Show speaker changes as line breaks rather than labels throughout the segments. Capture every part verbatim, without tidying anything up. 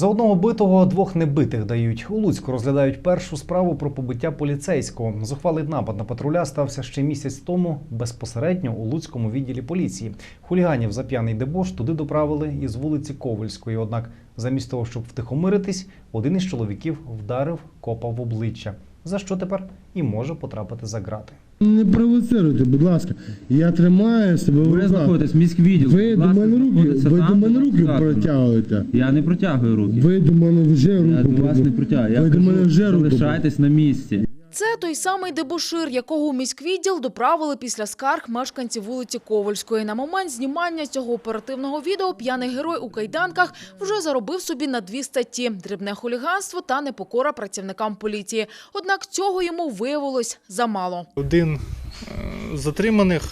За одного битого двох небитих дають. У Луцьку розглядають першу справу про побиття поліцейського. Зухвалий напад на патруля стався ще місяць тому безпосередньо у Луцькому відділі поліції. Хуліганів за п'яний дебош туди доправили із вулиці Ковальської. Однак замість того, щоб втихомиритись, один із чоловіків вдарив копа в обличчя, за що тепер і може потрапити за ґрати.
Не провоцируйте, будь ласка. Я тримаю себе в
Ви
руках.
знаходитесь в міськвідділ.
Ви до мене руки, ви до мене руки протягуєте.
Я не протягую руки.
Ви до мене вже руку
Я до вас не протягую. Я
Ви до мене
кажу,
вже руку
залишайтесь на місці.
Це той самий дебошир, якого у міськвідділ доправили після скарг мешканців вулиці Ковальської. На момент знімання цього оперативного відео п'яний герой у кайданках вже заробив собі на дві статті – дрібне хуліганство та непокора працівникам поліції. Однак цього йому виявилось замало.
Один з затриманих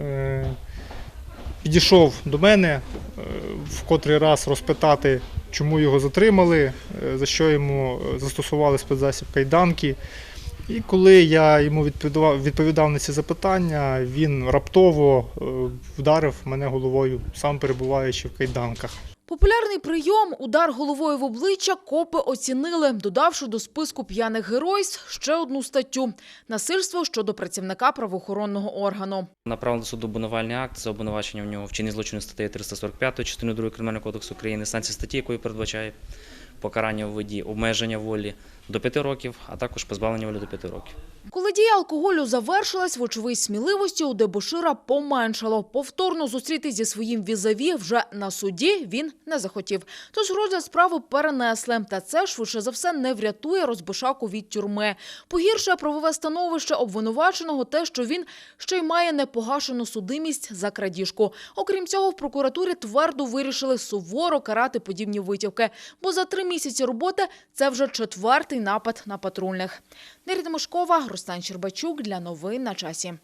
підійшов до мене в котрий раз розпитати, чому його затримали, за що йому застосували спецзасіб кайданки. І коли я йому відповідав, відповідав на ці запитання, він раптово вдарив мене головою, сам перебуваючи в кайданках.
Популярний прийом – удар головою в обличчя – копи оцінили, додавши до списку п'яних геройств ще одну статтю – насильство щодо працівника правоохоронного органу.
Направлений до суду обвинувальний акт за обвинувачення в нього вчинення злочину статтею триста сорок п'ять частини другої Кримінального кодексу України, санкція статті, якої передбачає покарання у виді обмеження волі до п'яти років, а також позбавлення волі до п'яти років.
Коли дія алкоголю завершилась, вочевидь сміливості у дебошира поменшало. Повторно зустрітись зі своїм візаві вже на суді він не захотів. Тож розгляд справи перенесли. Та це, швидше за все, не врятує розбишаку від тюрми. Погіршує правове становище обвинуваченого те, що він ще й має непогашену судимість за крадіжку. Окрім цього, в прокуратурі твердо вирішили суворо карати подібні витівки. Бо за три місяці роботи це вже четвертий напад на патрульних. Нерida Мошкова, Руслан Щербачук для новин на часі.